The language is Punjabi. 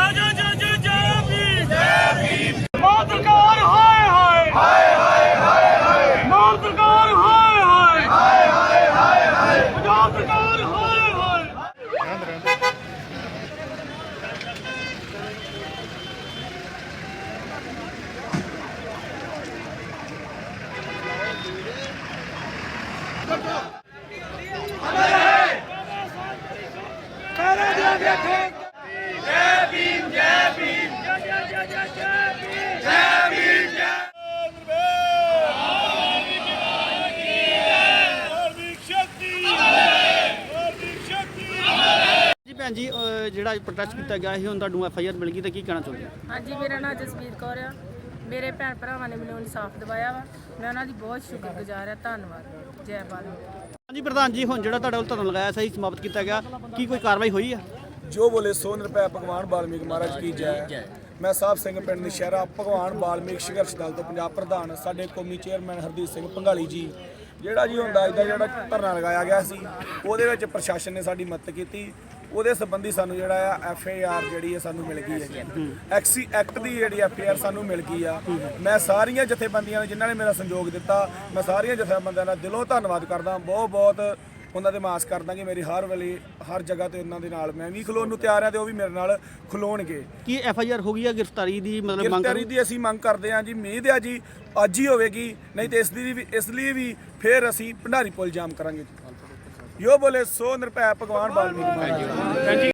ਭੈਣ ਜੀ ਜਿਹੜਾ ਪ੍ਰੋਟੈਸਟ ਕੀਤਾ ਗਿਆ ਸੀ ਹੁਣ ਤੁਹਾਨੂੰ FIR ਮਿਲ ਗਈ ਤਾਂ ਕੀ ਕਹਿਣਾ ਚਾਹੁੰਦੇ ਹੋ? ਹਾਂਜੀ, ਮੇਰਾ ਨਾਮ ਜਸਵੀਰ ਕੌਰ ਆ। ਮੇਰੇ ਭੈਣ ਭਰਾਵਾਂ ਨੇ ਮੈਨੂੰ ਇਨਸਾਫ ਦਿਵਾਇਆ ਵਾ। ਮੈਂ ਉਹਨਾਂ ਦੀ ਬਹੁਤ ਸ਼ੁਕਰਗੁਜ਼ਾਰ ਆ। ਧੰਨਵਾਦ। ਜੈ ਬਾਲਮੀਕ। ਹਾਂਜੀ ਪ੍ਰਧਾਨ ਜੀ, ਹੁਣ ਜਿਹੜਾ ਤੁਹਾਡੇ ਵੱਲ ਧਰਨਾ ਲਗਾਇਆ ਸਹੀ ਸਮਾਪਤ ਕੀਤਾ ਗਿਆ, ਕੀ ਕੋਈ ਕਾਰਵਾਈ ਹੋਈ ਹੈ? ਜੋ ਬੋਲੇ ਸੋ ਨਿਰਭੈ ਭਗਵਾਨ ਵਾਲਮੀਕ ਮਹਾਰਾਜ ਕੀ ਜੈ। ਮੈਂ ਸਾਹਿਬ ਸਿੰਘ ਪਿੰਡ ਨਸ਼ਹਿਰਾ ਭਗਵਾਨ ਵਾਲਮੀਕ ਸੰਘਰਸ਼ ਦਲ ਤੋਂ ਪੰਜਾਬ ਪ੍ਰਧਾਨ, ਸਾਡੇ ਕੌਮੀ ਚੇਅਰਮੈਨ ਹਰਦੀਪ ਸਿੰਘ ਭੰਗਾਲੀ ਜੀ, ਜਿਹੜਾ ਜੀ ਹੁੰਦਾ ਇਹਦਾ ਜਿਹੜਾ ਧਰਨਾ ਲਗਾਇਆ ਗਿਆ ਸੀ ਉਹਦੇ ਵਿੱਚ ਪ੍ਰਸ਼ਾਸਨ ਨੇ ਸਾਡੀ ਮਦਦ ਕੀਤੀ। ਉਹਦੇ ਸੰਬੰਧੀ ਸਾਨੂੰ ਜਿਹੜਾ ਆ FIR ਜਿਹੜੀ ਹੈ ਸਾਨੂੰ ਮਿਲ ਗਈ ਹੈ। ਐਕਟ ਦੀ ਜਿਹੜੀ FIR ਸਾਨੂੰ ਮਿਲ ਗਈ ਆ। ਮੈਂ ਸਾਰੀਆਂ ਜਥੇਬੰਦੀਆਂ ਨੇ ਜਿਨ੍ਹਾਂ ਨੇ ਮੇਰਾ ਸਹਿਯੋਗ ਦਿੱਤਾ, ਮੈਂ ਸਾਰੀਆਂ ਜਥੇਬੰਦੀਆਂ ਦਾ ਦਿਲੋਂ ਧੰਨਵਾਦ ਕਰਦਾ। ਬਹੁਤ ਬਹੁਤ ਉਹਨਾਂ ਦੇ ਮਾਸ ਕਰਦਾ ਕਿ ਮੇਰੀ ਹਰ ਵੇਲੇ ਹਰ ਜਗ੍ਹਾ ਤੇ ਉਹਨਾਂ ਦੇ ਨਾਲ ਮੈਂ ਵੀ ਖਲੋਣ ਨੂੰ ਤਿਆਰ ਹਾਂ ਤੇ ਉਹ ਵੀ ਮੇਰੇ ਨਾਲ ਖਲੋਣਗੇ। ਕੀ FIR ਹੋ ਗਈ ਹੈ ਗ੍ਰਿਫਤਾਰੀ ਦੀ? ਮਤਲਬ ਗ੍ਰਿਫਤਾਰੀ ਦੀ ਅਸੀਂ ਮੰਗ ਕਰਦੇ ਹਾਂ ਜੀ। ਉਮੀਦ ਹੈ ਜੀ ਅੱਜ ਹੀ ਹੋਵੇਗੀ, ਨਹੀਂ ਤੇ ਇਸ ਲਈ ਵੀ ਫਿਰ ਅਸੀਂ ਭੰਡਾਰੀ ਪੁਲ ਜਾਮ ਕਰਾਂਗੇ। ਜੋ ਬੋਲੇ ਸੋ ਨਿਰਭੈ ਭਗਵਾਨ ਵਾਲਮੀਕ।